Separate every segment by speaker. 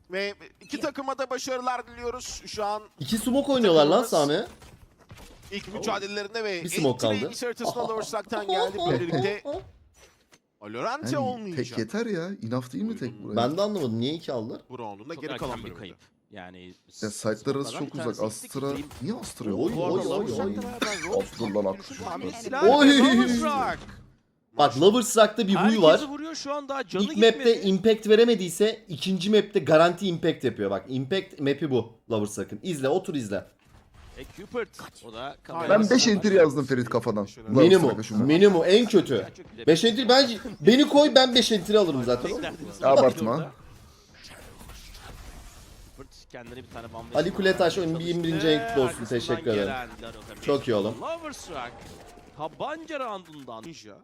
Speaker 1: Ve iki takıma da başarılar diliyoruz. Şu an
Speaker 2: İki smoke oynuyorlar lan Sami.
Speaker 1: ilk mücadelelerinde ve
Speaker 2: Bir smoke kaldı.
Speaker 1: Entry'in haritasına Lovers'tan geldi. Böylelikle Alorante
Speaker 3: Yani
Speaker 1: olmayacak.
Speaker 3: tek yeter ya. Enough değil mi tek buraya?
Speaker 2: Ben de anlamadım niye iki aldılar?
Speaker 1: Bu round'un da
Speaker 4: Çok
Speaker 1: geri
Speaker 4: erken
Speaker 1: kalan
Speaker 4: bir
Speaker 1: bölümünde.
Speaker 4: kayıp. Yani
Speaker 3: Ya site'lar arası çok uzak. Astra... Niye Astra yok?
Speaker 2: Oy, oy, oy, oy.
Speaker 3: Astra lan
Speaker 2: Oy. Bak Lovers Rock'ta bir huy var.
Speaker 4: Herkesi vuruyor şu an daha canı
Speaker 2: İlk
Speaker 4: gitmedi.
Speaker 2: map'te impact veremediyse ikinci map'te garanti impact yapıyor. Bak impact map'i bu Lovers Rock'ın. İzle otur izle.
Speaker 4: Cupid. O da
Speaker 3: Ben 5 enter yazdım Ferit kafadan.
Speaker 2: Minimum en kötü. 5 entry beni koy ben 5 entry alırım zaten.
Speaker 3: Abartma.
Speaker 4: Kendine bir tane bambaşka.
Speaker 2: Ali Kuletaş oyunun bir 21. ayın kutlu olsun. Teşekkür ederim. Çok iyi oğlum.
Speaker 4: Lovers Rock. Tabanca roundundan.
Speaker 1: Ninja.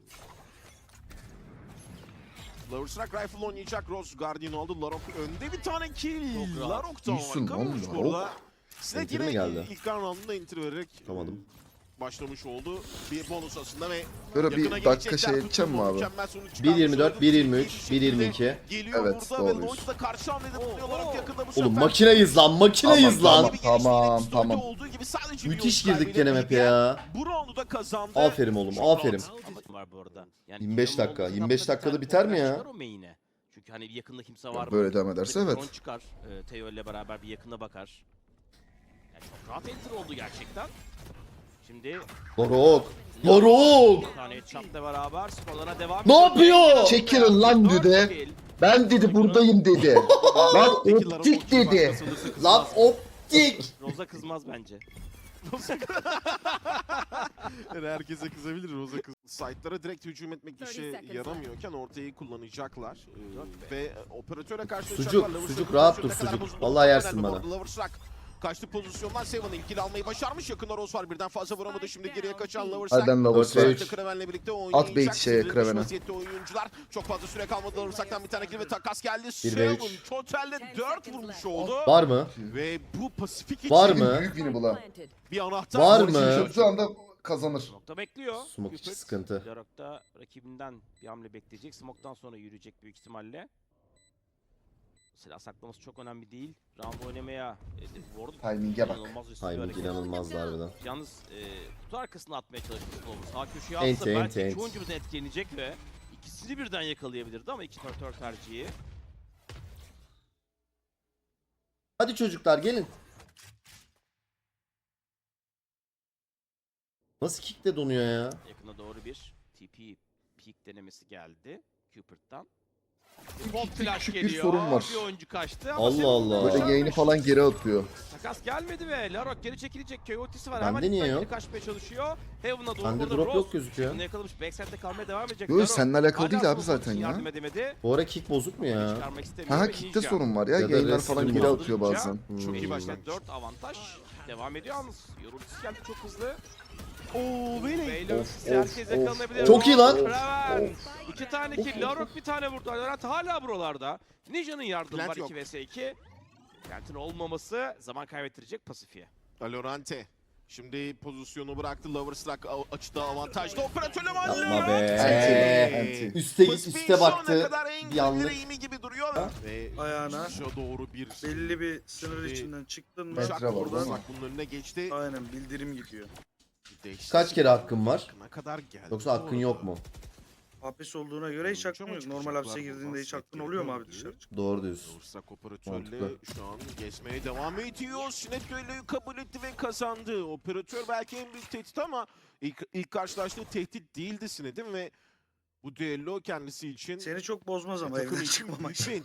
Speaker 1: Lovers Rock Rifle oynayacak. Rose Guardian oldu. Larok önde bir tane kill.
Speaker 4: Çok rahat.
Speaker 1: Larok da
Speaker 3: İyisin
Speaker 1: harika
Speaker 3: lan
Speaker 1: olmuş
Speaker 3: Larok.
Speaker 1: burada. Sinek
Speaker 2: Enter mi
Speaker 1: yine
Speaker 2: geldi?
Speaker 1: ilk roundunda enter vererek
Speaker 2: Tutamadım.
Speaker 1: başlamış oldu. Bir bonus aslında ve
Speaker 3: Böyle
Speaker 1: yakına
Speaker 3: bir dakika
Speaker 1: gelecekler.
Speaker 3: şey edeceğim mi
Speaker 1: Tutturma,
Speaker 3: abi?
Speaker 1: mükemmel sonuç çıkarmış
Speaker 2: 1.24,
Speaker 1: oldu.
Speaker 2: 1.23,
Speaker 1: Bir şekilde
Speaker 2: 1.22.
Speaker 1: Geliyor
Speaker 3: Evet,
Speaker 1: burada ve
Speaker 3: doğruyuz.
Speaker 1: Lloyd da karşı hamlede bulunuyor. Larok yakında bu
Speaker 2: Oğlum
Speaker 1: sefer.
Speaker 2: makineyiz lan makineyiz
Speaker 3: Tamam,
Speaker 2: lan.
Speaker 3: Tamam.
Speaker 1: Olduğu gibi sadece bir
Speaker 2: Müthiş
Speaker 1: oyuncu
Speaker 2: girdik gene map'e
Speaker 1: kaybeden
Speaker 2: ya.
Speaker 1: Bu roundu da kazandı.
Speaker 2: Aferin oğlum aferin.
Speaker 4: Var bu arada. Yani
Speaker 2: 25
Speaker 4: Kiram'ın
Speaker 2: dakika,
Speaker 4: olduğu
Speaker 2: 25
Speaker 4: zapta
Speaker 2: dakikada
Speaker 4: bir
Speaker 2: biter
Speaker 4: tane
Speaker 2: mi ya?
Speaker 4: çıkar o main'e. Çünkü hani bir yakında kimse var mı?
Speaker 3: Böyle devam ederse
Speaker 4: Burada bir
Speaker 3: evet.
Speaker 4: drone çıkar. Teo ile beraber bir yakına bakar. Yani çok rahat enter oldu gerçekten. Şimdi
Speaker 2: Doruk. Doruk.
Speaker 4: bir tane headshot'la beraber skorlara devam
Speaker 2: Ne yapıyor?
Speaker 3: Çekilin lan
Speaker 4: Dört
Speaker 3: dedi.
Speaker 4: kill.
Speaker 3: Ben dedi buradayım dedi. Lan
Speaker 1: Peki, Larok
Speaker 3: optik
Speaker 1: ulti
Speaker 3: dedi.
Speaker 1: başkası olursa kızmaz.
Speaker 2: Lan optik.
Speaker 4: Roza kızmaz bence.
Speaker 1: Yani herkese kızabilir Roza kız. Site'lara direkt hücum etmek işe yaramıyorken ortayı kullanacaklar. Ve operatöre karşı
Speaker 2: Sucuk, sucuk rahat dur sucuk. Vallahi yersin bana.
Speaker 1: Loversrock kaçtı pozisyondan Seven ilk kill almayı başarmış. Yakında Rose var birden fazla vuramadı. Şimdi geriye kaçan
Speaker 3: Hadi
Speaker 1: Loversrock.
Speaker 3: lan
Speaker 2: Dört ve
Speaker 3: Loversrock.
Speaker 2: üç.
Speaker 1: Kraven'le birlikte
Speaker 3: At
Speaker 1: oynayacak.
Speaker 3: bait şeye,
Speaker 1: Sinirli
Speaker 3: Kraven'e.
Speaker 1: vaziyette oyuncular. Çok fazla süre kalmadı. Loversrock'tan bir tane kill ve takas geldi.
Speaker 2: ve
Speaker 1: Seven
Speaker 2: üç.
Speaker 1: totalde 4 vurmuş oldu.
Speaker 2: Var mı?
Speaker 1: Ve bu Pasifik
Speaker 2: Var
Speaker 1: için
Speaker 2: mı?
Speaker 3: Büyük wini bu lan.
Speaker 1: bir anahtar.
Speaker 2: Var
Speaker 3: Şimdi
Speaker 2: mı?
Speaker 3: çözdüğü anda kazanır.
Speaker 4: Nokta bekliyor.
Speaker 2: Smoke için
Speaker 4: Cupid.
Speaker 2: sıkıntı.
Speaker 4: Larok'ta rakibinden bir hamle bekleyecek. Smoke'tan sonra yürüyecek büyük ihtimalle. Silah saklaması çok önemli değil. Round oynamaya ward
Speaker 3: Timing'e bak.
Speaker 4: inanılmaz üstü bir
Speaker 2: Timing
Speaker 4: hareket.
Speaker 2: inanılmazdı harbiden.
Speaker 4: Yalnız kutu arkasına atmaya çalışmış oldu. Sağ köşeye
Speaker 2: Enti,
Speaker 4: atsa
Speaker 2: enti,
Speaker 4: belki
Speaker 2: enti.
Speaker 4: iki oyuncu da etkilenecek ve ikisini birden yakalayabilirdi ama iki operatör tercihi.
Speaker 2: Hadi çocuklar gelin. Nasıl kickle donuyor ya?
Speaker 4: Yakına doğru bir TP peak denemesi geldi Cupid'dan.
Speaker 3: Küçük bir sorun var.
Speaker 4: Bir oyuncu kaçtı ama
Speaker 2: Allah
Speaker 4: Seven
Speaker 2: Allah.
Speaker 3: Böyle
Speaker 4: başarmış.
Speaker 3: yayını falan geri atıyor.
Speaker 4: Takas gelmedi ve Larok geri çekilecek. Coyote'si var.
Speaker 2: Bende
Speaker 4: Hemen
Speaker 2: niye
Speaker 4: ilk
Speaker 2: yok?
Speaker 4: geri kaçmaya çalışıyor. Heaven'a doğru
Speaker 2: Bende
Speaker 4: burada
Speaker 2: drop
Speaker 4: Rose.
Speaker 2: yok gözüküyor.
Speaker 4: Bunu yakalamış. Backside'de kalmaya devam edecek.
Speaker 3: Yo
Speaker 4: Larok
Speaker 3: seninle alakalı
Speaker 4: hala
Speaker 3: değil abi
Speaker 4: smoke
Speaker 3: zaten
Speaker 4: için
Speaker 3: ya.
Speaker 4: yardım edemedi.
Speaker 2: Bu ara kick bozuk mu ya?
Speaker 4: Çıkarmak istemiyor
Speaker 3: Ha
Speaker 4: ve
Speaker 3: kickte
Speaker 4: Ninja
Speaker 3: sorun var ya.
Speaker 2: Ya da
Speaker 3: Yayınlar
Speaker 2: resim
Speaker 3: falan geri
Speaker 2: var.
Speaker 3: atıyor bazen.
Speaker 4: Çok iyi
Speaker 2: Hmm.
Speaker 4: başladı. 4 avantaj. Devam ediyor yalnız. Yorultusu geldi çok hızlı.
Speaker 1: Oo beni.
Speaker 4: Beyler
Speaker 3: Of,
Speaker 4: herkes
Speaker 3: of,
Speaker 4: yakalanabilir.
Speaker 3: of.
Speaker 2: Çok iyi lan.
Speaker 4: Kraven. 2 tane kill. Larok bir tane vurdu. Larok hala buralarda. Ninja'nın yardımı
Speaker 1: Plant
Speaker 4: var
Speaker 1: yok.
Speaker 4: 2 vs 2. Plant'in olmaması zaman kaybettirecek Pasifiye.
Speaker 1: Alorante. Şimdi pozisyonu bıraktı. Loversrock açıda avantajlı. Operatörle
Speaker 2: Yapma
Speaker 1: Alorante.
Speaker 2: be.
Speaker 3: Anti.
Speaker 2: Üste git
Speaker 1: Pacific'in
Speaker 2: üste
Speaker 1: şu ana
Speaker 2: baktı.
Speaker 1: kadar en
Speaker 2: Bir anlık.
Speaker 1: direğimi gibi duruyor. Ve
Speaker 5: Ayağına
Speaker 1: çıkışa doğru bir
Speaker 5: belli bir sınır
Speaker 1: Şimdi
Speaker 5: içinden çıktın mı
Speaker 3: metre
Speaker 1: uçak
Speaker 3: var,
Speaker 1: buradan
Speaker 3: değil mi?
Speaker 1: bunun önüne geçti.
Speaker 5: aynen bildirim gidiyor.
Speaker 1: Değişti.
Speaker 2: Kaç kere hakkın var?
Speaker 1: Ne kadar geldi?
Speaker 2: Yoksa hakkın yok mu?
Speaker 5: Hapis olduğuna göre hiç hakkın yok. Normal hapse girdiğinde hiç hakkın oluyor mu abi dışarı çık?
Speaker 2: Doğru diyorsun.
Speaker 1: Loversrock operatörle
Speaker 2: Mantıklı.
Speaker 1: şu an geçmeye devam ediyor. Sinet Düello'yu kabul etti ve kazandı. Operatör belki en büyük tehdit ama ilk karşılaştığı tehdit değildi Sinet'in ve bu düello kendisi için
Speaker 5: Seni çok bozmaz ama
Speaker 1: takım
Speaker 5: evden
Speaker 1: için
Speaker 5: çıkmamak.
Speaker 1: büyük bir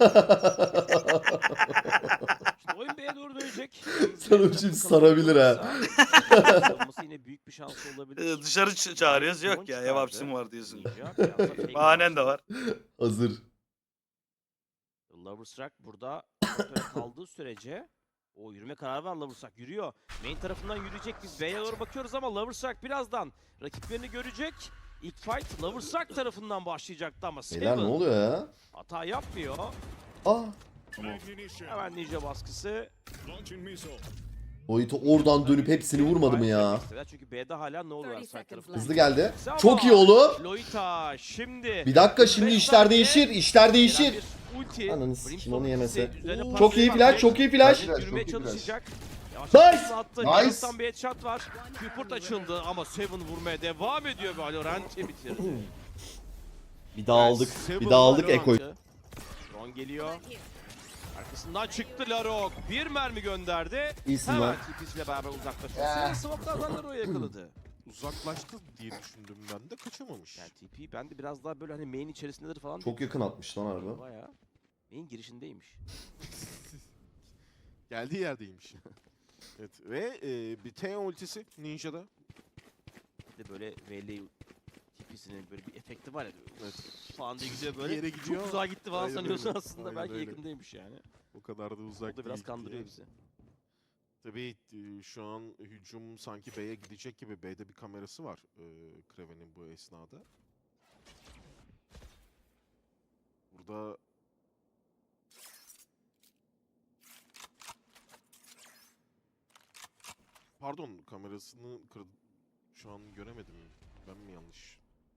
Speaker 4: Şimdi oyun B'ye doğru dönecek.
Speaker 2: Sana bir şey sarabilir ha.
Speaker 4: Olması yine büyük bir şans olabilir.
Speaker 5: Dışarı çağırıyoruz yok ya ev hapsim var diyorsun. Bahanen de var.
Speaker 2: Hazır.
Speaker 4: Loversrock burada operatöre kaldığı sürece o yürüme kararı var Loversrock yürüyor. Main tarafından yürüyecek biz B'ye doğru bakıyoruz ama Loversrock birazdan rakiplerini görecek. İlk fight Loversrock tarafından başlayacaktı ama
Speaker 2: Beyler ne
Speaker 4: Seven
Speaker 2: oluyor ya?
Speaker 4: hata yapmıyor.
Speaker 2: Ah.
Speaker 4: Hemen ninja baskısı.
Speaker 2: Boyutu oradan dönüp hepsini vurmadı mı ya?
Speaker 4: Çünkü B'de hala ne oluyor side tarafında.
Speaker 2: Hızlı geldi.
Speaker 4: Ama
Speaker 2: Çok iyi oğlum.
Speaker 4: Lolita şimdi.
Speaker 2: Bir dakika şimdi işler değişir. İşler değişir.
Speaker 4: Gelen ulti.
Speaker 2: Ananı sikim,
Speaker 4: Brimstone
Speaker 2: onu yemese.
Speaker 4: ultisi üzerine
Speaker 2: Çok
Speaker 4: parçayı
Speaker 2: iyi
Speaker 4: var.
Speaker 2: flash, çok iyi flash.
Speaker 3: Flash.
Speaker 4: Yürümeye
Speaker 3: Çok iyi flash.
Speaker 4: çalışacak. Yavaş
Speaker 2: Nice.
Speaker 4: yavaş attı.
Speaker 3: Nice.
Speaker 4: Yarıstan bir headshot var. Cupid açıldı ama Seven vurmaya devam ediyor ve Valorant'i bitirdi.
Speaker 2: Bir daha aldık.
Speaker 1: Seven
Speaker 2: Bir daha aldık
Speaker 1: Valorant.
Speaker 2: Eko'yu.
Speaker 4: Ron geliyor. Arkasından çıktı Larok. Bir mermi gönderdi.
Speaker 2: İyisin
Speaker 4: Hemen
Speaker 2: lan.
Speaker 4: TP'siyle beraber uzaklaşıyor. Smoke'lardan Larok'u yakaladı.
Speaker 1: Uzaklaştı diye düşündüm ben de, kaçamamış.
Speaker 4: Yani TP ben de biraz daha böyle hani main içerisindedir falan.
Speaker 2: Çok yakın atmış lan harbi.
Speaker 4: Bayağı main girişindeymiş.
Speaker 1: Geldiği yerdeymiş. Evet ve bir T ultisi Ninja'da.
Speaker 4: Bir de böyle VL TP'sinin böyle bir efekti var ya.
Speaker 1: Evet.
Speaker 4: Falan diye gidiyor
Speaker 1: Bir
Speaker 4: böyle.
Speaker 1: yere gidiyor.
Speaker 4: Çok uzağa gitti falan
Speaker 1: Aynen
Speaker 4: sanıyorsun
Speaker 1: öyle.
Speaker 4: aslında.
Speaker 1: Aynen
Speaker 4: Belki
Speaker 1: öyle.
Speaker 4: yakındaymış yani.
Speaker 1: O kadar da uzak
Speaker 4: O da biraz
Speaker 1: değil
Speaker 4: kandırıyor
Speaker 1: diye.
Speaker 4: bizi.
Speaker 1: Tabii şu an hücum sanki B'ye gidecek gibi. B'de bir kamerası var Kraven'in bu esnada. Burada pardon, kamerasını şu an göremedim. Ben mi yanlış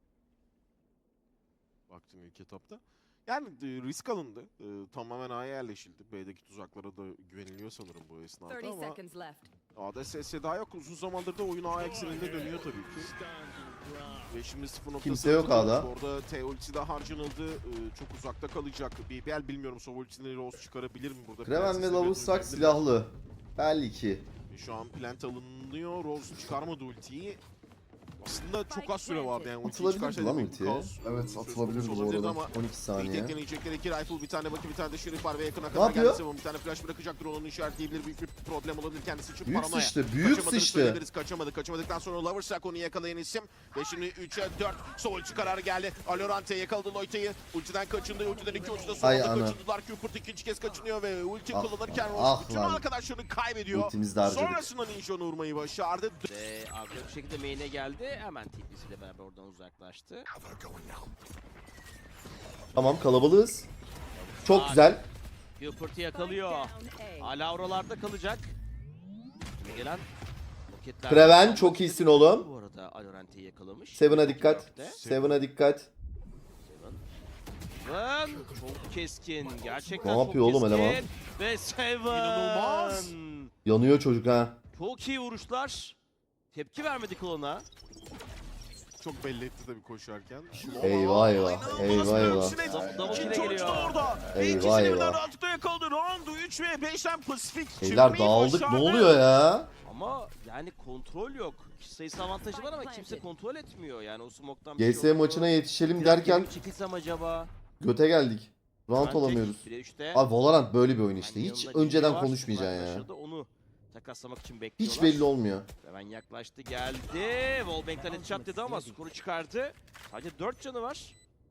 Speaker 1: baktım ilk etapta? Yani risk alındı. Tamamen A'ya yerleşildi. B'deki tuzaklara da güveniliyor sanırım bu esnada
Speaker 6: 30
Speaker 1: ama
Speaker 6: seconds left.
Speaker 1: A'da ses daha yok. Uzun zamandır da oyun A ekseninde dönüyor tabii ki. Ve şimdi 0.0
Speaker 2: Kimse yok A'da.
Speaker 1: Orada T ultisi de harcanıldı. Çok uzakta kalacak. BBL bilmiyorum, Sova ultisini Rose çıkarabilir mi burada?
Speaker 2: Kraven ve
Speaker 1: Prenses'le
Speaker 2: Loverstruck
Speaker 1: dönüşebilir.
Speaker 2: silahlı. Belki.
Speaker 1: Şu an plant alınıyor. Rose çıkarmadı ultiyi. Aslında çok az süre vardı yani ultiyi
Speaker 2: Atılabilirdi
Speaker 1: çıkarsaydı
Speaker 2: lan
Speaker 1: bir
Speaker 2: ultiye.
Speaker 1: kaos,
Speaker 3: Evet,
Speaker 1: söz
Speaker 3: atılabilirdi
Speaker 1: konusu
Speaker 3: bu
Speaker 1: olabilirdi
Speaker 3: arada.
Speaker 1: ama
Speaker 2: 12
Speaker 1: bir
Speaker 2: saniye.
Speaker 1: tek deneyecekler. 2 rifle, bir tane bakı, bir tane de şerif var ve yakına kadar
Speaker 2: yapıyor?
Speaker 1: geldi. Seven bir tane flash bırakacaktır, onun işaretleyebilir. Büyük bir problem olabilir kendisi için.
Speaker 2: Büyük
Speaker 1: Paranoya.
Speaker 2: sıçtı, büyük
Speaker 1: Kaçamadığını
Speaker 2: sıçtı.
Speaker 1: söyleyebiliriz. Kaçamadıktan sonra Loverstruck onu yakalayan isim. Ve şimdi 3'e 4 sol ulti kararı geldi. Alorante yakaladı Loite'yi. Ultiden kaçındı. Ultiden 2 ulti de
Speaker 2: Ay
Speaker 1: solda
Speaker 2: ana.
Speaker 1: kaçındılar. Cupid ikinci kez kaçınıyor ve ulti
Speaker 2: Ah
Speaker 1: kullanırken
Speaker 2: lan,
Speaker 1: Rose
Speaker 2: ah
Speaker 1: bütün
Speaker 2: lan.
Speaker 1: arkadaşlarını kaybediyor.
Speaker 2: Ultimizi de harcadık.
Speaker 1: Sonrasında Ninja'nı vurmayı başardı.
Speaker 4: Ve agresif bir şekilde main'e geldi. Hemen TP'siyle beraber oradan uzaklaştı.
Speaker 2: Tamam, kalabalığız. Çok güzel.
Speaker 4: Cupid'i yakalıyor.
Speaker 6: Down A.
Speaker 4: Hala oralarda kalacak. Şimdi gelen roketler.
Speaker 2: Kraven çok iyisin oğlum.
Speaker 4: Bu arada Alorante'yi yakalamış.
Speaker 2: Seven'a dikkat.
Speaker 4: Dörtte.
Speaker 2: Seven'a dikkat.
Speaker 4: Seven çok keskin. Gerçekten
Speaker 2: Ne
Speaker 4: çok
Speaker 2: yapıyor oğlum
Speaker 4: keskin.
Speaker 2: eleman?
Speaker 4: Ve Seven.
Speaker 1: İnanılmaz.
Speaker 2: Yanıyor çocuk ha.
Speaker 4: Çok iyi vuruşlar. Tepki vermedi klona.
Speaker 1: Çok belli etti tabii koşarken.
Speaker 2: Eyvah eyvah.
Speaker 1: İnanılmaz
Speaker 2: Eyvah
Speaker 1: bir
Speaker 2: eyvah.
Speaker 1: ultisine.
Speaker 4: Double kill'e
Speaker 1: İkinci ulti de
Speaker 4: geliyor.
Speaker 1: orada. Ve
Speaker 2: Eyvah,
Speaker 1: ikisini birden
Speaker 2: eyvah.
Speaker 1: rahatlıkla yakaladı. Round 3 ve 5'ten Pasifik
Speaker 2: Beyler
Speaker 1: çıkmayı
Speaker 2: dağıldık, ne
Speaker 1: başardı.
Speaker 2: oluyor ya?
Speaker 4: Ama yani kontrol yok. Kişi sayısı avantajı var ama kimse kontrol etmiyor. Yani o smoke'tan
Speaker 2: GS maçına yetişelim derken
Speaker 4: çekilsem acaba?
Speaker 2: göte geldik. Round
Speaker 4: Bence
Speaker 2: olamıyoruz.
Speaker 4: 1'e 3'te.
Speaker 2: Abi Valorant böyle bir oyun işte.
Speaker 4: Yani
Speaker 2: Hiç
Speaker 4: yanında
Speaker 2: önceden
Speaker 4: Ninja var,
Speaker 2: konuşmayacaksın ya.
Speaker 4: uzaklaşırdı, onu takaslamak için bekliyorlar.
Speaker 2: Hiç belli olmuyor.
Speaker 4: Hemen yaklaştı, geldi. Wallbank'ten headshot dedi ama skoru çıkardı. Sadece 4 canı var.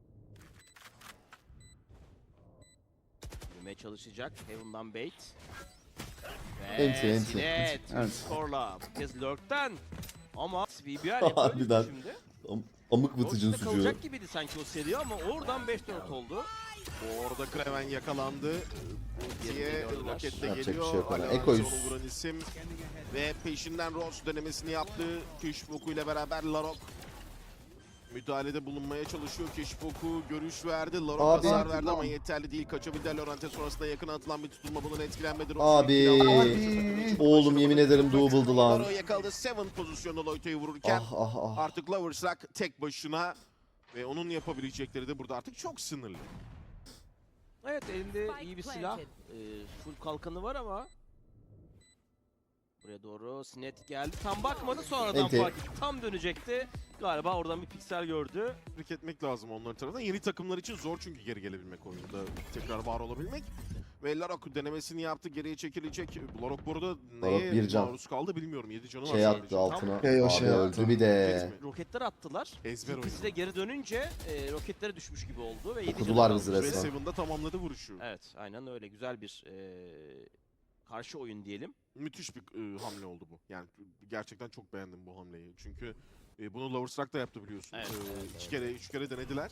Speaker 4: Yürümeye çalışacak. Heaven'dan bait. Ve
Speaker 2: Enti, enti.
Speaker 4: Sinet
Speaker 3: Evet.
Speaker 4: skorla. Bu kez Lurk'ten. Ama BBL yapıyor
Speaker 2: Harbiden.
Speaker 4: şimdi.
Speaker 2: Amık vıtıcın
Speaker 4: Lurk'ta
Speaker 2: sucuğu.
Speaker 4: kalacak gibiydi sanki o seri ama oradan 5-4 oldu.
Speaker 1: Bu arada Kraven yakalandı. Ultiye
Speaker 4: gördüler.
Speaker 1: roket de
Speaker 2: Yapacak
Speaker 1: geliyor.
Speaker 2: bir şey yok ona.
Speaker 1: Alonso
Speaker 2: Eko'yuz.
Speaker 1: onu vuran isim. Ve peşinden Rose denemesini yaptı. Keşfoku ile beraber Larok müdahalede bulunmaya çalışıyor. Keşfoku görüş verdi. Larok
Speaker 2: Abi.
Speaker 1: hasar verdi ama yeterli değil. Kaçabildi. Lorente sonrasında yakına atılan bir tutulma bunun etkilenmedi. Rose
Speaker 2: Abi.
Speaker 1: bir kill aldı.
Speaker 2: Oğlum yemin ederim double'dı lan.
Speaker 1: Larok yakaladı. 7 pozisyonda Loito'yu vururken
Speaker 2: Ah ah ah.
Speaker 1: artık Loverstruck tek başına ve onun yapabilecekleri de burada artık çok sınırlı.
Speaker 4: Evet, elinde iyi bir silah. Full kalkanı var ama buraya doğru Sinet geldi. Tam bakmadı, sonradan
Speaker 2: Enti.
Speaker 4: fark etti. Tam dönecekti. Galiba oradan bir piksel gördü.
Speaker 1: Tebrik etmek lazım onların tarafından. Yeni takımlar için zor çünkü geri gelebilmek oyunda. Tekrar var olabilmek. Ve Larok denemesini yaptı. Geriye çekilecek. Larok bu arada neye
Speaker 2: bir can.
Speaker 1: maruz kaldı bilmiyorum. 7 canı var
Speaker 2: Şey
Speaker 1: sadece.
Speaker 2: attı altına.
Speaker 3: Şey o
Speaker 2: Abi
Speaker 3: şey
Speaker 2: öldü
Speaker 3: attı.
Speaker 2: bir de.
Speaker 1: Roket mi?
Speaker 4: Roketler attılar.
Speaker 1: Ezber
Speaker 4: İkisi de
Speaker 1: oyunu.
Speaker 4: geri dönünce roketlere düşmüş gibi oldu ve 7
Speaker 2: Okudular bizi
Speaker 1: Ve
Speaker 2: resmen.
Speaker 1: Seven'da tamamladı vuruşu.
Speaker 4: Evet, aynen öyle. Güzel bir karşı oyun diyelim.
Speaker 1: Müthiş bir hamle oldu bu. Yani gerçekten çok beğendim bu hamleyi. Çünkü bunu Loverstruck da yaptı biliyorsun.
Speaker 4: Evet,
Speaker 1: İki kere, üç kere denediler.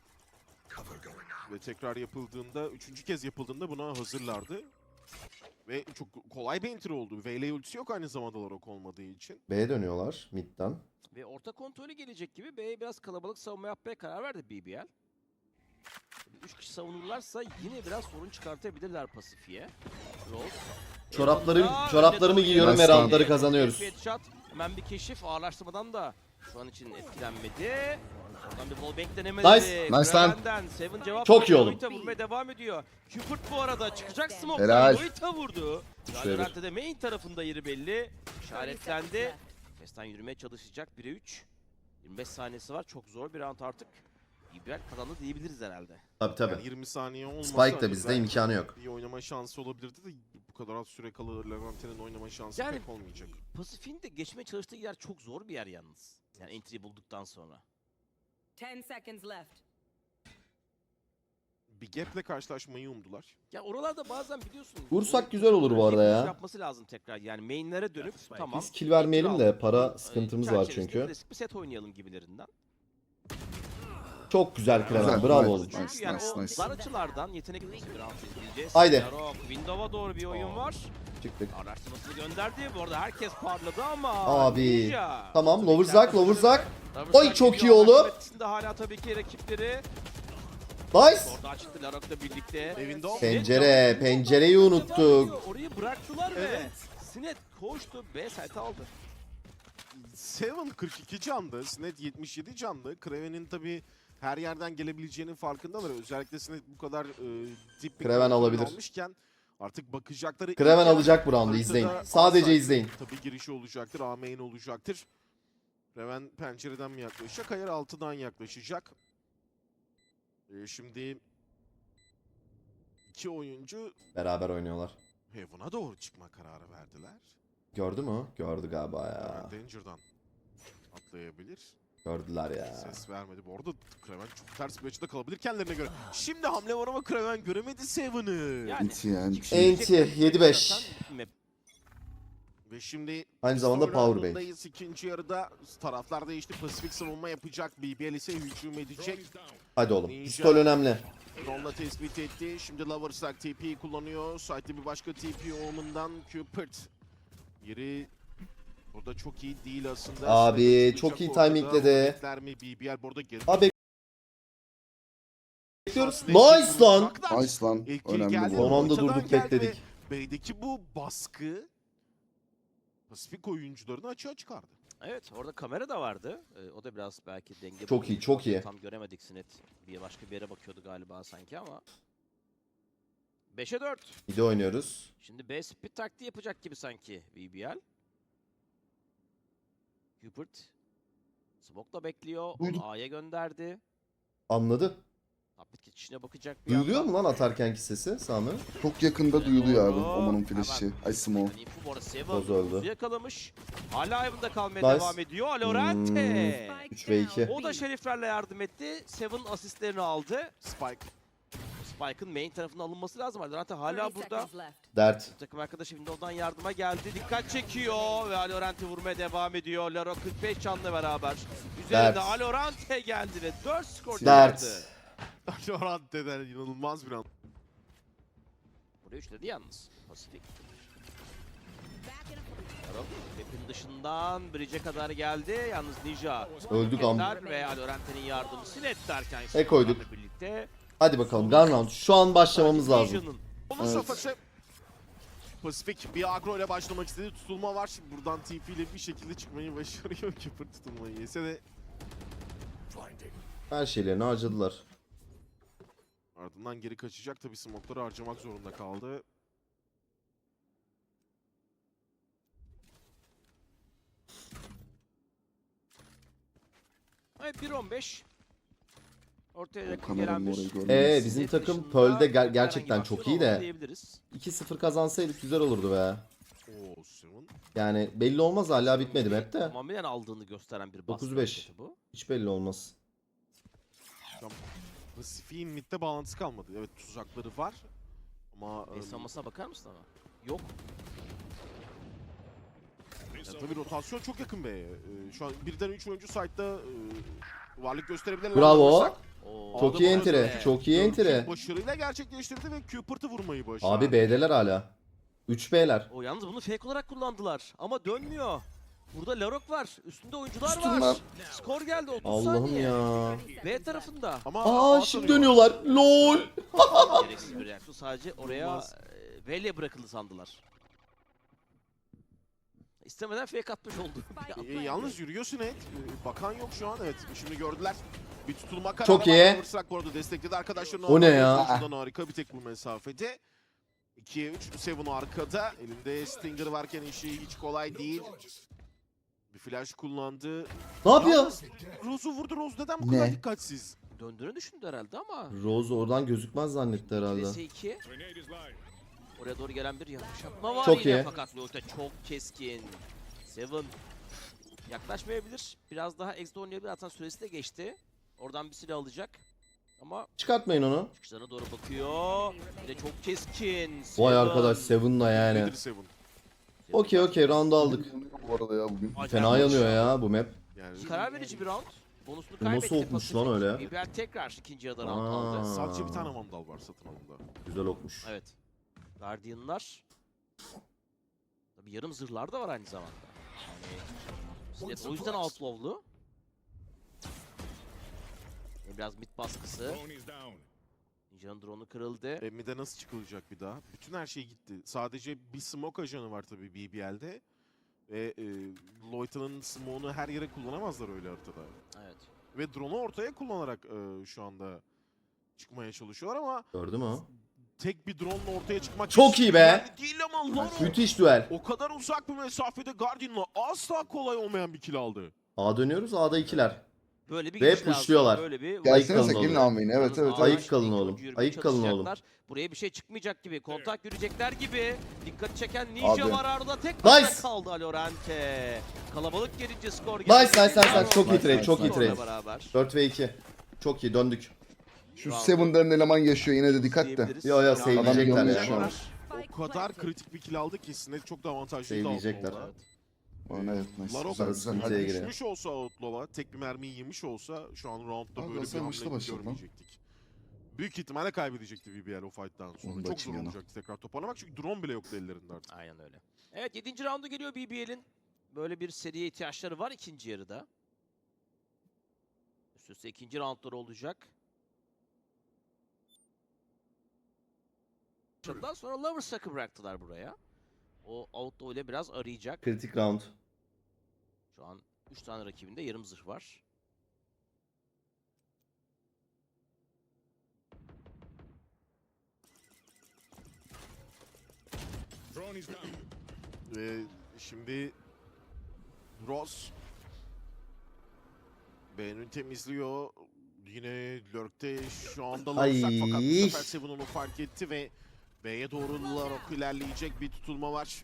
Speaker 1: Ve tekrar yapıldığında, üçüncü kez yapıldığında buna hazırlardı. Ve çok kolay bir enter oldu. VL ultisi yok aynı zamanda Larok olmadığı için.
Speaker 2: B'ye dönüyorlar midden.
Speaker 4: Ve orta kontrolü gelecek gibi B'ye biraz kalabalık savunma yapmaya karar verdi BBL. 3 kişi savunurlarsa yine biraz sorun çıkartabilirler Pasifik'e. Rose.
Speaker 2: Çoraplarımı giyiyorum ve
Speaker 3: Nice lan.
Speaker 2: roundları kazanıyoruz.
Speaker 4: Headshot. Hemen bir keşif. Ağırlaştırmadan da şu an için etkilenmedi. Oradan bir wallbang denemedi.
Speaker 2: Nice.
Speaker 3: Nice lan.
Speaker 4: Kraven'den Seven cevap
Speaker 2: Çok
Speaker 4: verdi.
Speaker 2: iyi oğlum.
Speaker 4: Lolita vurmaya devam ediyor. Cupid bu arada çıkacak smoke.
Speaker 3: Helal.
Speaker 4: Lolita vurdu.
Speaker 2: Şöyle.
Speaker 4: Valorant'ta de main tarafında yeri belli. İşaretlendi. Festan yürümeye çalışacak. 1'e 3. 25 saniyesi var. Çok zor bir round artık. İbrahim kazandı diyebiliriz herhalde.
Speaker 2: Tabii tabii.
Speaker 1: Yani 20 saniye olmasa
Speaker 2: Spike de
Speaker 1: hani
Speaker 2: bizde
Speaker 1: belki
Speaker 2: imkanı yok.
Speaker 1: bir oynama şansı olabilirdi de bu kadar az süre kalır Levante'nin oynama şansı
Speaker 4: Yani-
Speaker 1: pek olmayacak.
Speaker 4: Pasifik'in de geçmeye çalıştığı yer çok zor bir yer yalnız. Yani entry bulduktan sonra.
Speaker 6: 10 seconds left.
Speaker 1: Bir gap'le karşılaşmayı umdular.
Speaker 4: Ya oralarda bazen biliyorsun.
Speaker 2: Vursak güzel olur bu arada ya.
Speaker 4: Yapması lazım tekrar. Yani mainlere dönüp tamam.
Speaker 2: Biz kill vermeyelim de
Speaker 4: entry
Speaker 2: para
Speaker 4: aldık.
Speaker 2: sıkıntımız var
Speaker 4: Çerçevesinde
Speaker 2: çünkü.
Speaker 4: klasik bir set oynayalım gibilerinden.
Speaker 2: Çok güzel Kraven.
Speaker 3: Güzel,
Speaker 2: Bravo
Speaker 3: nice.
Speaker 2: oğlum.
Speaker 4: Çünkü
Speaker 3: Nice,
Speaker 4: yani
Speaker 3: nice,
Speaker 4: o
Speaker 3: nice.
Speaker 4: dar açılardan yetenek bir round izleyeceğiz.
Speaker 2: Haydi.
Speaker 4: Yarok, Windows'a doğru bir oyun var.
Speaker 2: Çıktık.
Speaker 4: Araştırmasını gönderdi. Bu arada herkes parladı ama.
Speaker 2: Abi.
Speaker 4: Ninja.
Speaker 2: Tamam,
Speaker 4: Tabii
Speaker 2: Loverzak,
Speaker 4: ki
Speaker 2: Loverzak.
Speaker 4: Loverzak
Speaker 2: Oy, çok
Speaker 4: geliyor.
Speaker 2: iyi oğlum.
Speaker 4: Arşimet içinde hala tabii ki rakipleri.
Speaker 2: Nice.
Speaker 4: Orada çıktı Larok'la birlikte.
Speaker 1: Evinde o.
Speaker 2: Pencereyi unuttuk.
Speaker 4: Orayı bıraktılar ve
Speaker 1: Evet.
Speaker 4: Sinet koştu. B site aldı.
Speaker 1: Seven 42 candı, Snet 77 candı. Kraven'in tabi her yerden gelebileceğinin farkındalar. Özellikle Snet bu kadar dip bir
Speaker 2: Kraven
Speaker 1: kontrol
Speaker 2: alabilir.
Speaker 1: almışken artık bakacakları...
Speaker 2: Kraven
Speaker 1: ilk yer
Speaker 2: alacak bu roundu, izleyin.
Speaker 1: haritada
Speaker 2: Sadece
Speaker 1: outside.
Speaker 2: izleyin.
Speaker 1: Tabi girişi olacaktır, A main olacaktır. Kraven pencereden mi yaklaşacak? Hayır, altıdan yaklaşacak. Şimdi iki oyuncu
Speaker 2: Beraber oynuyorlar.
Speaker 1: Heaven'a doğru çıkma kararı verdiler.
Speaker 2: Gördü mü? Gördü galiba ya.
Speaker 1: Danger'dan atlayabilir.
Speaker 2: Gördüler ya.
Speaker 1: Ses vermedi. Bu arada Kraven çok ters bir açıda kalabilir kendilerine göre. Şimdi hamle var ama Kraven göremedi Seven'ı.
Speaker 4: Yani
Speaker 3: Enti yani.
Speaker 2: Enti, 7-5.
Speaker 4: Map
Speaker 1: Ve şimdi
Speaker 2: Aynı zamanda Powerbank.
Speaker 1: roundundayız. İkinci yarıda taraflar değişti. Pasifik savunma yapacak. BBL ise hücum edecek.
Speaker 2: Hadi oğlum.
Speaker 1: Ninja.
Speaker 2: Pistol önemli.
Speaker 1: Drone'la tespit etti. Şimdi Loversack TP'yi kullanıyor. Site'de bir başka TP Omen'dan Cupid. Yeri burada çok iyi değil aslında.
Speaker 2: Abi,
Speaker 1: Snap'ı
Speaker 2: çok
Speaker 1: tutacak
Speaker 2: iyi
Speaker 1: ortada.
Speaker 2: timingledi.
Speaker 1: Bekler mi? BBL burada geri.
Speaker 2: Abi bekliyoruz. Nice lan.
Speaker 3: Nice lan.
Speaker 1: İlk kill
Speaker 3: Önemli
Speaker 1: geldi.
Speaker 3: bu.
Speaker 2: Son anda
Speaker 1: Ortadan
Speaker 2: durduk,
Speaker 1: geldi
Speaker 2: bekledik.
Speaker 1: ve B'deki bu baskı Pasifik oyuncularını açığa çıkardı.
Speaker 4: Evet, orada kamera da vardı. O da biraz belki denge
Speaker 2: Çok iyi, çok iyi.
Speaker 4: Tam göremedik Sinet. Başka bir yere bakıyordu galiba sanki ama. 5'e 4.
Speaker 2: Bir de oynuyoruz.
Speaker 4: Şimdi B speed taktiği yapacak gibi sanki BBL. Hubert. Smoke'la bekliyor.
Speaker 3: Duydum.
Speaker 4: Onu A'ya gönderdi.
Speaker 2: Anladı.
Speaker 4: Tablet geçişine bakacak bir
Speaker 2: Duyuluyor
Speaker 4: yandan.
Speaker 2: mu lan atarkenki sesi Sami?
Speaker 3: Çok yakında duyuluyor abi.
Speaker 4: Doğru.
Speaker 3: Oman'ın flash'i.
Speaker 4: Hemen.
Speaker 3: Ay smoke.
Speaker 4: Yani info bu arada Seven
Speaker 2: Boz öldü.
Speaker 4: Buz'u yakalamış. Hala ayvında kalmaya
Speaker 2: Nice.
Speaker 4: devam ediyor. Alorante.
Speaker 2: 3 ve 2.
Speaker 4: O da şeriflerle yardım etti. Seven asistlerini aldı.
Speaker 1: Spike.
Speaker 4: Spike'ın main tarafına alınması lazım. Alorante hala
Speaker 6: 30
Speaker 4: burada.
Speaker 6: seconds left.
Speaker 2: Dert.
Speaker 4: Takım arkadaşı Windows'dan yardıma geldi. Dikkat çekiyor ve Alorante vurmaya devam ediyor. Laro 45 canla beraber. Üzerinde
Speaker 2: Dert.
Speaker 4: Alorante geldi ve 4 skor çıkardı.
Speaker 2: Dert.
Speaker 1: Lorante'den inanılmaz bir an.
Speaker 4: Buraya üçledi yalnız. Pasifik. Laro map'in dışından bridge'e kadar geldi. Yalnız Ninja.
Speaker 2: Öldük am.
Speaker 4: Hareketler ve Alorante'nin yardımı Sinet derken.
Speaker 2: koyduk.
Speaker 4: sonlarla Birlikte.
Speaker 2: Hadi bakalım. Gun round. Şu an başlamamız lazım.
Speaker 4: Ninja'nın
Speaker 1: Onun
Speaker 3: Evet.
Speaker 1: safhası. Pasifik bir agro ile başlamak istedi. Tutulma var. Buradan TP ile bir şekilde çıkmayı başarıyor. Keeper tutulmayı yese de
Speaker 2: Her şeylerini harcadılar.
Speaker 1: ardından geri kaçacak. Tabii smoke'ları harcamak zorunda kaldı.
Speaker 4: Evet 1-15. Ortaya yakın
Speaker 3: Kameranın
Speaker 4: gelen
Speaker 3: orayı
Speaker 4: bir
Speaker 3: görmüyoruz.
Speaker 2: Bizim
Speaker 4: Net
Speaker 2: takım
Speaker 4: dışında
Speaker 2: Pearl'de
Speaker 4: herhangi
Speaker 2: gerçekten
Speaker 4: bir
Speaker 2: çok
Speaker 4: aksiyon
Speaker 2: iyi de
Speaker 4: olmadı diyebiliriz.
Speaker 2: 2-0 kazansaydık güzel olurdu be.
Speaker 1: Oo, Seven.
Speaker 2: Yani belli olmaz, hala bitmedi map de.
Speaker 4: Tamamen aldığını gösteren bir baskı
Speaker 2: 9-5.
Speaker 4: hareketi bu.
Speaker 2: Hiç belli olmaz.
Speaker 1: Pasifik'in midde bağlantısı kalmadı. Evet, tuzakları var. Ama
Speaker 4: Savunmasına bakar mısın ama? Yok.
Speaker 1: ya tabii rotasyon çok yakın be. Şu an birden 3 oyuncu site'da varlık gösterebilirler.
Speaker 2: Bravo.
Speaker 1: Alırsak.
Speaker 4: Oo,
Speaker 2: Çok
Speaker 1: Aldı
Speaker 2: iyi
Speaker 1: bunu.
Speaker 2: entry.
Speaker 4: Evet.
Speaker 2: Çok iyi entry.
Speaker 1: Başarıyla gerçekleştirdi ve Cupid'ı vurmayı başardı.
Speaker 2: Abi B'deler hala. 3 B'ler.
Speaker 4: O yalnız bunu fake olarak kullandılar ama dönmüyor. Burada Larok var. Üstünde oyuncular
Speaker 3: Üstün
Speaker 4: var.
Speaker 3: var.
Speaker 4: Skor geldi 30
Speaker 2: Allah'ım
Speaker 4: saniye.
Speaker 2: ya.
Speaker 4: B tarafında.
Speaker 1: Ama
Speaker 2: Aa
Speaker 1: A
Speaker 2: şimdi
Speaker 1: tanıyor.
Speaker 2: dönüyorlar. LOL.
Speaker 4: Gereksiz bir reaksiyon. Sadece oraya
Speaker 1: Olmaz.
Speaker 4: V'ye bırakıldı sandılar. İstemeden fake atmış oldu.
Speaker 1: Yalnız yürüyor Sinet. Bakan yok şu an, evet. Şimdi gördüler. Bir tutulma kararı
Speaker 2: Çok
Speaker 1: var.
Speaker 2: iyi.
Speaker 1: Fırsat bu arada destekledi arkadaşlarını.
Speaker 2: O ne ya?
Speaker 1: Şuradan harika bir tek bu mesafede. 2'ye 3, Seven arkada. Elinde Stinger varken işi hiç kolay değil. Bir flash kullandı.
Speaker 2: Ne yapıyor?
Speaker 1: Yalnız Rose'u vurdu. Rose neden bu kadar
Speaker 3: Ne?
Speaker 1: dikkatsiz?
Speaker 4: Döndüğünü düşündü herhalde ama.
Speaker 2: Rose oradan gözükmez zannetti herhalde.
Speaker 4: VS2. Oraya doğru gelen bir yanlış yapma var
Speaker 2: Çok
Speaker 4: yine
Speaker 2: iyi.
Speaker 4: fakat Lota çok keskin. Seven yaklaşmayabilir. Biraz daha exit oynayabilir. Zaten süresi de geçti. Oradan bir silah alacak. Ama
Speaker 2: Çıkartmayın onu.
Speaker 4: çıkışlarına doğru bakıyor. Yine çok keskin.
Speaker 2: Vay
Speaker 4: Seven.
Speaker 2: arkadaş Seven'la yani.
Speaker 1: Nedir Seven?
Speaker 2: Okey round'u aldık.
Speaker 3: Bu arada ya bugün.
Speaker 4: Acayip
Speaker 2: Fena
Speaker 4: olmuş
Speaker 2: yanıyor ya bu map.
Speaker 1: Yani
Speaker 4: Karar verici bir round. Bonusunu
Speaker 2: Bu
Speaker 4: kaybetti.
Speaker 2: nasıl olmuş lan
Speaker 4: Pacific.
Speaker 2: öyle?
Speaker 4: BBL tekrar ikinci yarıda round aldı.
Speaker 2: Aa,
Speaker 1: sadece bir tane vandal var satın alımda.
Speaker 2: Güzel olmuş.
Speaker 4: Evet. Guardian'lar. Tabii yarım zırhlar da var aynı zamanda. Yani Sled o yüzden outlaw'lu. Biraz mid baskısı. Ninja'nın drone'u kırıldı.
Speaker 1: Mid'e nasıl çıkılacak bir daha? Bütün her şey gitti. Sadece bir smoke ajanı var tabii BBL'de. Ve Loyta'nın smoke'unu her yere kullanamazlar öyle haritada.
Speaker 4: Evet.
Speaker 1: Ve drone'u ortaya kullanarak şu anda çıkmaya çalışıyorlar ama
Speaker 2: Gördün mü?
Speaker 1: tek bir drone'la ortaya çıkmak
Speaker 2: Çok iyi be.
Speaker 1: yani değil ama Laro
Speaker 2: Müthiş duel.
Speaker 1: o kadar uzak bir mesafede Guardian'la asla kolay olmayan bir kill aldı.
Speaker 2: A dönüyoruz. A'da ikiler.
Speaker 4: Böyle bir
Speaker 2: Ve
Speaker 4: giriş lazım.
Speaker 2: pushluyorlar.
Speaker 4: Böyle bir
Speaker 3: Gelsenize
Speaker 2: kalın
Speaker 3: gelin
Speaker 2: oğlum.
Speaker 3: almayın. Evet
Speaker 4: Yalnız
Speaker 3: evet.
Speaker 4: ağlar
Speaker 2: Ayık
Speaker 3: evet.
Speaker 2: kalın
Speaker 4: sürekli
Speaker 2: oğlum.
Speaker 4: ucu yürümeye
Speaker 2: Ayık kalın oğlum.
Speaker 4: çalışacaklar. Buraya bir şey çıkmayacak gibi. Kontak yürüyecekler gibi. Dikkat çeken Ninja
Speaker 3: Abi.
Speaker 4: var arada. Tek başına
Speaker 2: Nice.
Speaker 4: kaldı Alorante. Kalabalık gelince skor
Speaker 2: Nice, nice, nice,
Speaker 4: Laro
Speaker 2: nice. Çok iyi trade, çok iyi
Speaker 4: skorla
Speaker 2: trade.
Speaker 4: beraber.
Speaker 2: 4 ve 2. Çok iyi döndük.
Speaker 3: Şu Seven'ların eleman yaşıyor yine de dikkat de.
Speaker 4: Diyebiliriz.
Speaker 2: Yo yo
Speaker 4: Yani
Speaker 2: save'leyecekler
Speaker 3: yanıyor
Speaker 2: ya.
Speaker 3: şu an.
Speaker 1: O kadar kritik bir kill aldı ki Sinet çok da avantajlıydı
Speaker 2: Save'leyecekler.
Speaker 1: Outlaw'da.
Speaker 3: Evet nice.
Speaker 1: Larok
Speaker 3: Güzel güzel.
Speaker 2: sıkıntıya
Speaker 3: Hadi.
Speaker 2: giriyor.
Speaker 1: düşmüş olsa Outlaw'a, tek bir mermiyi yemiş olsa şu an roundda
Speaker 3: Abi
Speaker 1: böyle bir
Speaker 3: sen başla
Speaker 1: hamle
Speaker 3: başla lan.
Speaker 1: görmeyecektik. Büyük ihtimalle kaybedecekti BBL o fight'tan sonra.
Speaker 3: Onu da
Speaker 1: Çok zor
Speaker 3: açayım yana.
Speaker 1: olacaktı tekrar toparlamak çünkü drone bile yoktu ellerinde artık.
Speaker 4: Aynen öyle. Evet 7. roundu geliyor BBL'in. Böyle bir seriye ihtiyaçları var ikinci yarıda. Üst üste ikinci roundları olacak. Ondan sonra Lovers'ı bıraktılar buraya. O Outlaw ile biraz arayacak.
Speaker 2: Kritik round.
Speaker 4: Şu an 3 tane rakibinde yarım zırh var.
Speaker 1: Ve şimdi Ross B'nin temizliyor. Yine Lurk'te şu anda
Speaker 2: Ay.
Speaker 1: Larsak fakat bu sefer Seven onu fark etti ve B'ye doğru Larok ilerleyecek bir tutulma var.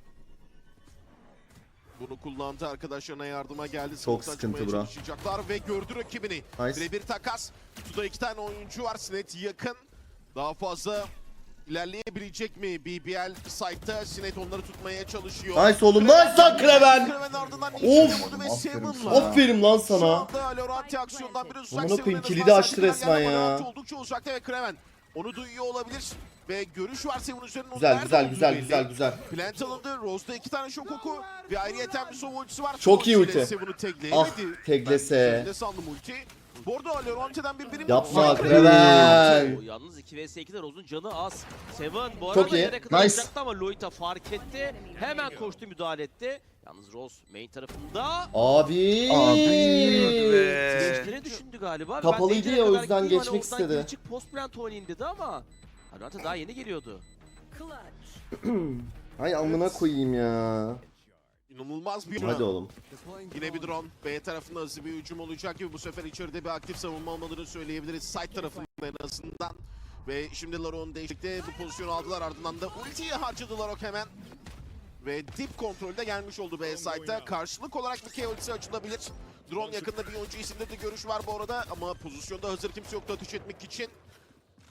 Speaker 1: Bunu kullandı, arkadaşlarına yardıma geldi. Smoke'tan
Speaker 2: sıkıntı
Speaker 1: çıkmaya
Speaker 2: bura.
Speaker 1: çalışacaklar ve gördü rakibini.
Speaker 2: Nice.
Speaker 1: Birebir takas. Kutuda 2 tane oyuncu var. Sinet yakın. Daha fazla ilerleyebilecek mi? BBL site'ta Sinet onları tutmaya çalışıyor.
Speaker 2: Nice oğlum. Nice lan Kraven.
Speaker 1: Kraven ardından
Speaker 2: Of.
Speaker 1: Ninja'yı vurdu ve
Speaker 3: Aferin
Speaker 1: Seven'la.
Speaker 3: sana.
Speaker 2: Aferin lan
Speaker 1: Şu
Speaker 2: sana.
Speaker 1: anda Lorante aksiyondan bir uzak.
Speaker 2: Amına
Speaker 1: Seven'ın
Speaker 2: koyayım,
Speaker 1: en
Speaker 2: kilidi
Speaker 1: azından
Speaker 2: açtı
Speaker 1: serdiler
Speaker 2: resmen
Speaker 1: geldi ama
Speaker 2: ya.
Speaker 1: Lorante oldukça uzakta ve Kraven onu duyuyor olabilir. Ve görüş var Seven üzerinde.
Speaker 2: Güzel
Speaker 1: Nerede
Speaker 2: güzel
Speaker 1: olduğu
Speaker 2: güzel
Speaker 1: belli.
Speaker 2: güzel güzel.
Speaker 1: Plant alındı. Rose'da 2 tane şok oku ve ayrıyeten bir sova ultisi var.
Speaker 2: Çok iyi ulti.
Speaker 1: Seven'ı tekleyemedi.
Speaker 2: Ah, teklese.
Speaker 1: Ben de sandım ulti. Bu arada Lorante'den bir birim
Speaker 2: Yapma
Speaker 1: yok.
Speaker 2: Kraven.
Speaker 4: O yalnız 2 vs 2'de Rose'un canı az. Seven bu
Speaker 2: Çok
Speaker 4: arada
Speaker 2: iyi.
Speaker 4: yere kadar
Speaker 3: Nice.
Speaker 4: olacaktı ama Loita fark etti. Hemen koştu müdahale etti. Yalnız Rose main tarafında.
Speaker 2: Abi.
Speaker 4: Geçtiğini düşündü galiba.
Speaker 2: Kapalıydı
Speaker 4: Ben de
Speaker 2: ya, o
Speaker 4: kadar
Speaker 2: yüzden
Speaker 4: gideyim,
Speaker 2: geçmek
Speaker 4: oradan
Speaker 2: istedi.
Speaker 4: geri çık, post plant oynayayım dedi ama Alorante daha yeni geliyordu.
Speaker 6: Clutch.
Speaker 2: Ay amına koyayım ya.
Speaker 1: İnanılmaz bir
Speaker 2: Hadi oğlum.
Speaker 1: Yine bir drone. B tarafında hızlı bir hücum olacak gibi bu sefer içeride bir aktif savunma olmadığını söyleyebiliriz. Side tarafında en azından. Ve şimdi Larok'un değişiklikte bu pozisyonu aldılar, ardından da ultiyi harcadı Larok hemen. Ve dip kontrolde gelmiş oldu B side'da. Karşılık olarak bir K ultisi açılabilir. Drone yakında bir oyuncu isimde de görüş var bu arada ama pozisyonda hazır kimse yoktu ateş etmek için.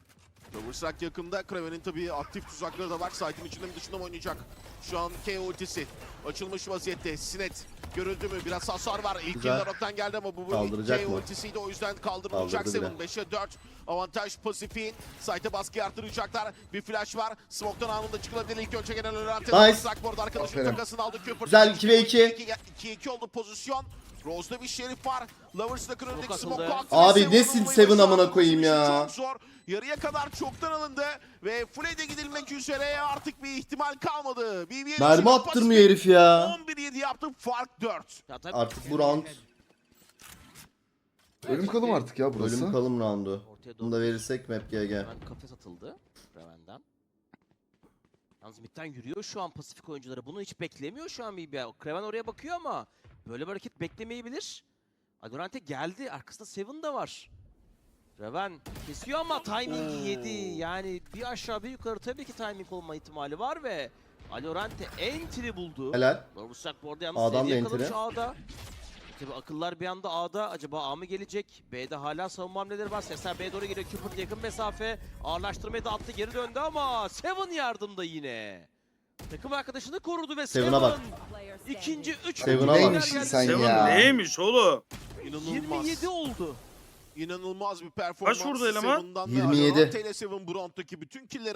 Speaker 1: Loversak yakında. Kraven'in tabii aktif tuzakları da var. Site'in içinde mi dışında mı oynayacak? Şu an K ultisi açılmış vaziyette. Sinet görüldü mü? Biraz hasar var. İlk
Speaker 2: Güzel.
Speaker 1: yıllar Rock'tan geldi ama bu
Speaker 2: Kaldıracak
Speaker 1: K
Speaker 2: mı?
Speaker 1: ultisiydi. O yüzden kaldırılacak.
Speaker 2: Kaldırdı
Speaker 1: 7 5'e 4. Avantaj Pasifik'in. Site'e baskıyı arttıracaklar. Bir flash var. Smoke'tan anında çıkılabilir. İlk önce gelen Lorante.
Speaker 2: Nice.
Speaker 1: Loversak bu arada arkadaşının
Speaker 3: Aferin.
Speaker 1: takasını aldı. Cooper.
Speaker 2: Güzel, 2v2.
Speaker 1: 2-2 oldu pozisyon. Rose'da bir şerif var. Lovers'ın önündeki
Speaker 4: atıldı.
Speaker 1: smoke attı.
Speaker 2: Abi
Speaker 1: Seven
Speaker 2: nesin
Speaker 1: olmayı
Speaker 2: Seven
Speaker 1: başardı.
Speaker 2: amına koyayım ya?
Speaker 1: Çok zor. Yarıya kadar çoktan alındı ve Fred'e gidilmek üzere artık bir ihtimal kalmadı. BBL
Speaker 2: Mermi attırmıyor herif ya.
Speaker 1: 11-7 yaptı, fark 4.
Speaker 4: Ya tabii
Speaker 2: Artık bu round
Speaker 3: Ölüm kalım artık ya burası.
Speaker 2: ölüm kalım roundu.
Speaker 4: ortaya
Speaker 2: Bunu
Speaker 4: doğru
Speaker 2: da verirsek map GG.
Speaker 4: hemen kafes atıldı Raven'den. Yalnız midden yürüyor şu an Pasifik oyuncuları. Bunu hiç beklemiyor şu an BBL. Kraven oraya bakıyor ama böyle bir hareket beklemeyebilir. Adorante geldi. Arkasında Seven de var. Raven kesiyor ama timing yedi. Yani bir aşağı bir yukarı tabii ki timing olma ihtimali var ve Alorante entry buldu.
Speaker 2: Helal.
Speaker 4: Loversak bu arada yalnız
Speaker 2: A'dan
Speaker 4: seviye
Speaker 2: da
Speaker 4: yakalamış
Speaker 2: entry.
Speaker 4: A'da. Tabii akıllar bir anda A'da. Acaba A mı gelecek? B'de hala savunma hamleleri var. Sesler B'ye doğru geliyor. Cooper yakın mesafe. Ağırlaştırmayı da attı. Geri döndü ama Seven yardımda yine. Takım arkadaşını korudu ve
Speaker 2: Seven'a
Speaker 4: Seven
Speaker 2: bak.
Speaker 6: Player
Speaker 4: ikinci
Speaker 6: standing.
Speaker 4: 3
Speaker 2: Seven'a bak.
Speaker 3: Neymişsin sen
Speaker 5: Seven
Speaker 3: ya?
Speaker 5: neymiş oğlum?
Speaker 1: İnanılmaz.
Speaker 4: 27 oldu.
Speaker 1: İnanılmaz bir performans.
Speaker 5: Kaç vurdu eleman?
Speaker 1: Seven'dan ve
Speaker 2: 27.
Speaker 1: Alorante ile Seven bu rounddaki bütün killleri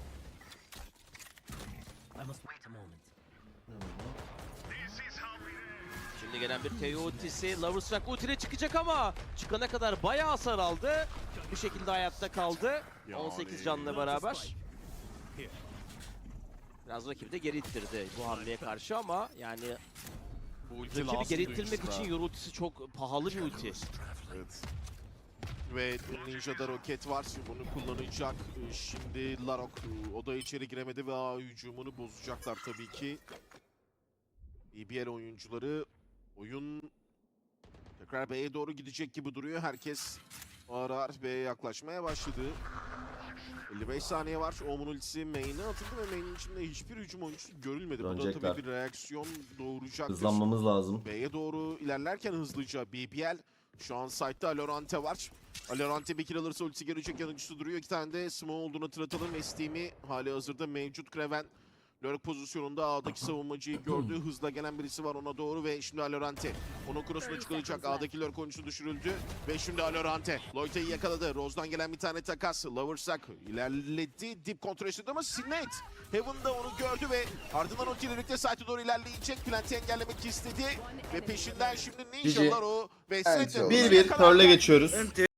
Speaker 4: Şimdi gelen bir KO ultisi. Loverstruck ultine çıkacak ama çıkana kadar bayağı hasar aldı. Bir şekilde hayatta kaldı.
Speaker 1: Yani.
Speaker 4: 18 canla beraber. Biraz rakibi de geri ittirdi bu hamleye karşı ama yani
Speaker 1: bu ulti
Speaker 4: rakibi
Speaker 1: lazım
Speaker 4: geri ittirmek
Speaker 1: oyuncuda.
Speaker 4: için Yoru ultisi çok pahalı bir ulti.
Speaker 1: Evet. Ve Ninja'da roket var. Bunu kullanacak. Şimdi Larok o da içeri giremedi ve A hücumunu bozacaklar tabii ki. BBL oyuncuları oyun tekrar B'ye doğru gidecek gibi duruyor. Herkes ağır ağır B'ye yaklaşmaya başladı. 55 saniye var. Omun ultisi main'e atıldı ve main'in içinde hiçbir hücum oyuncusu görülmedi. Bu da
Speaker 2: Dönecekler.
Speaker 1: tabii bir reaksiyon doğuracaktır.
Speaker 2: Hızlanmamız lazım.
Speaker 1: B'ye doğru ilerlerken hızlıca BBL şu an site'da Alorante var. Alorante bir kill alırsa ultisi gelecek yanıcısı duruyor. 2 tane de smoke olduğunu hatırlatalım. Steam'i hali hazırda mevcut. Kraven lurk pozisyonunda A'daki savunmacıyı gördü. Hızla gelen birisi var ona doğru ve şimdi Alorante. Onun cross'una çıkılacak. A'daki lurk oyuncusu düşürüldü. Ve şimdi Alorante. Loyta'yı yakaladı. Rose'dan gelen bir tane takas. Loversak ilerledi. Dip kontrol istedi ama Sinet Heaven'da onu gördü ve ardından ultiyle birlikte site'e doğru ilerleyecek. Plant'i engellemek istedi. Ve peşinden şimdi Ninja'lar o ve Sinet'le
Speaker 2: 1-1 Pearl'e geçiyoruz.
Speaker 5: Enti.